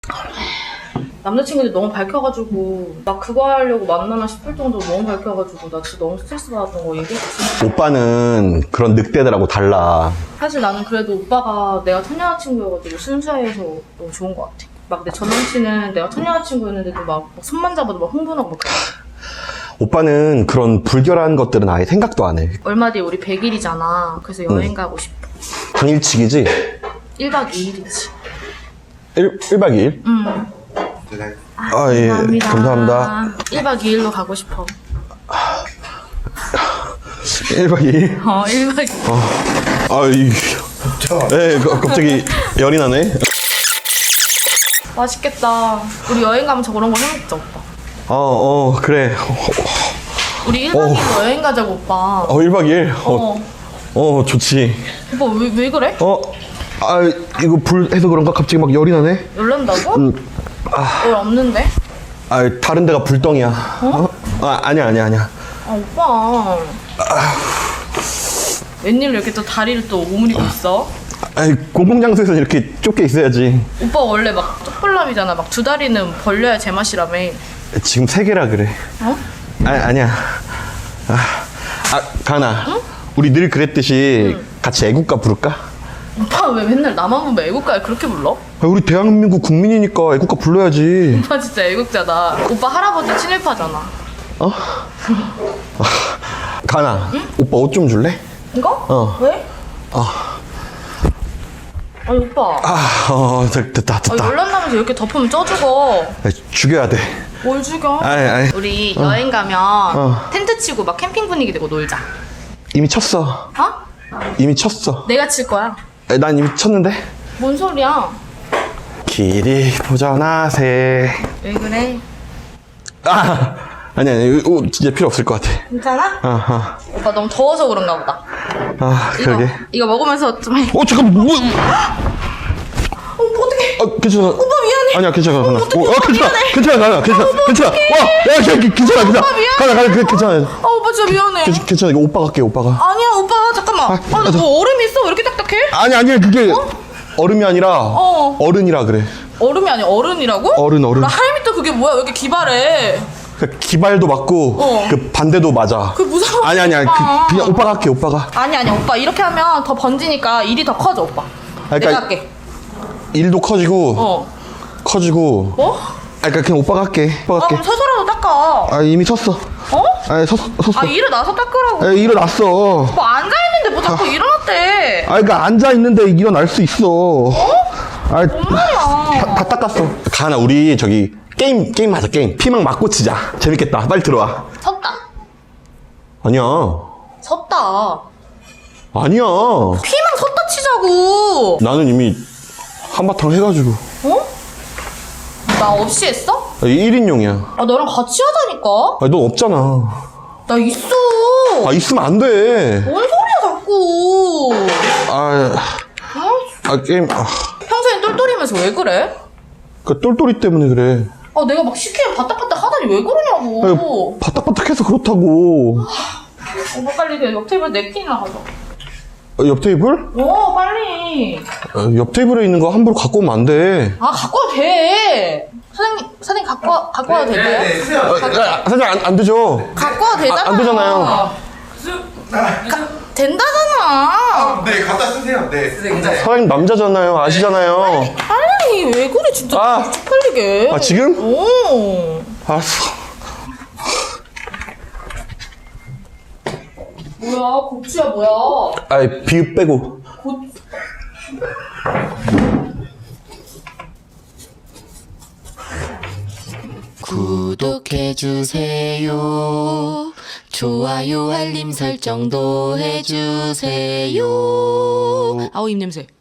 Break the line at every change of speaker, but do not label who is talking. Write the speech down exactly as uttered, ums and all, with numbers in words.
남자친구들이 너무 밝혀가지고 나 그거 하려고 만나나 싶을 정도로 너무 밝혀가지고 나 진짜 너무 스트레스 받았던 거 얘기했지.
오빠는 그런 늑대들하고 달라.
사실 나는 그래도 오빠가 내가 첫 여자친구여가지고 순수해서 너무 좋은 것 같아. 막 내 전 남친은 내가 첫 여자친구였는데도 막, 막 손만 잡아도 막 흥분하고 막 그래.
오빠는 그런 불결한 것들은 아예 생각도 안 해.
얼마 뒤에 우리 백 일이잖아. 그래서 여행
응.
가고 싶어.
당일치기지?
일 박 이 일이지.
일, 일박 이 일?
응.
아, 예. 감사합니다.
일 박 이 일로 가고 싶어.
일박 이 일?
어, 일 박 이 일.
어. 아, 이. 예, 갑자기 열이 나네.
맛있겠다. 우리 여행 가면 저런 거 해먹자, 오빠.
어, 어, 그래.
우리 일 박 이 일로 여행 가자고, 오빠.
어, 일박 이 일? 어,
어.
어, 좋지.
오빠 왜, 왜 그래?
어, 아, 이거 불 해서 그런가? 갑자기 막 열이 나네?
열난다고?
음, 아,
열 없는데?
아, 다른 데가 불덩이야. 어? 아, 아니야, 아니야, 아니야.
아, 오빠. 웬일로 이렇게 또 다리를 또 오므리고 있어?
아니, 공공장소에서 이렇게 좁게 있어야지.
오빠 원래 막 쪽불남이잖아. 막 두 다리는 벌려야 제맛이라며.
지금 세 개라 그래.
어?
아, 아니야. 아, 아 가나.
응?
우리 늘 그랬듯이
응.
같이 애국가 부를까?
오빠 왜 맨날 나만 보면 애국가를 그렇게 불러?
아, 우리 대한민국 국민이니까 애국가 불러야지.
오빠 진짜 애국자다. 오빠 할아버지 친일파잖아.
어? 가나.
응?
오빠 옷 좀 줄래?
이거?
어.
왜?
어.
아니 오빠.
아, 어, 됐- 됐다,
아,
됐다.
열난나면서 이렇게 덮으면 쪄 죽어.
아, 죽여야 돼.
뭘 죽여?
아니, 아니.
우리 여행 가면
어.
텐트 치고 막 캠핑 분위기 되고 놀자.
이미 쳤어.
어?
이미 쳤어.
내가 칠 거야.
아, 난 이미 쳤는데.
뭔 소리야?
길이 보전하세.
왜 그래?
아, 아니, 아니. 이거 진짜 필요 없을 것 같아.
괜찮아?
아하.
오빠 너무 더워서 그런가 보다.
아,
이거,
그러게.
이거 먹으면서 좀 해.
어, 잠깐, 뭐.
어, 어떡해.
아, 괜찮아.
오빠 미안해.
아니야, 괜찮아,
어,
가나.
어떡해,
어,
오빠
괜찮아,
미안해.
괜찮아, 가나, 괜찮아, 괜찮아. 와, 야, 괜찮아, 괜찮아, 괜찮아.
오빠 미안해.
가나, 가나, 괜찮아.
아 오빠 진짜 미안해.
괜찮아, 괜찮아. 이거 오빠가 할게, 오빠가.
아니야 오빠 잠깐만.
아,
아,
아, 저-
너 얼음이 있어? 왜 이렇게 딱딱해?
아니, 아니야, 그게 얼음이 아니라
어.
어른이라 그래.
얼음이 아니야 어른이라고?
어른, 어른.
나 할미터 그게 뭐야? 왜 이렇게 기발해?
그 기발도 맞고
어.
그 반대도 맞아.
그 무서워.
아니, 아니, 아니.
오빠.
그, 그냥 오빠가 할게, 오빠가.
아니 아니 오빠 이렇게 하면 더 번지니까 일이 더 커져 오빠.
그러니까
내가 할게.
일도 커지고
어.
커지고.
뭐?
아, 그러니까 그냥 오빠가 할게. 오빠가
아
할게.
그럼 서서라도 닦아.
아, 이미 섰어.
어?
아, 섰어, 섰어.
아 일어나서 닦으라고.
아, 일어났어.
뭐 앉아있는데 뭐 자꾸 일어났대.
아, 그러니까 앉아 있는데 일어날 수 있어. 아,
뭔 말이야.
다, 다 닦았어. 가나, 우리 저기 게임 게임 하자, 게임. 피망 맞고 치자. 재밌겠다. 빨리 들어와.
섰다.
아니야.
섰다.
아니야.
피망 섰다 치자고.
나는 이미 한바탕 해가지고.
어? 나 없이 했어?
일 인용이야.
아 너랑 같이 하자니까.
아니, 넌 없잖아.
나 있어.
아, 있으면 안 돼.
뭔 소리야 자꾸.
아,
아,
아 게임. 아,
평소엔 똘똘이면서 왜 그래?
그 똘똘이 때문에 그래.
아 내가 막 시키면 바딱바딱 하다니 왜 그러냐고.
아니, 바닥바닥해서 그렇다고.
오빠 빨리 그 옆 테이블 냅킨이나 가져.
어, 옆 테이블?
어 빨리.
어, 옆 테이블에 있는 거 함부로 갖고 오면 안 돼.
아 갖고 와도 돼. 사장님 사장님 갖고 와, 갖고 와도 될까요?
아, 아, 사실 안, 안 되죠.
갖고 와도 되잖아.
아, 안 되잖아요.
된다잖아.
네, 갖다 쓰세요. 네.
사장님 남자잖아요. 아시잖아요.
아니 왜 그래 진짜
아.
쪽팔리게.
아, 지금?
오.
알았어.
뭐야 고추야 뭐야.
아이, 비읍 빼고.
고...
구독해주세요. 좋아요 알림 설정도 해주세요.
아우 입냄새.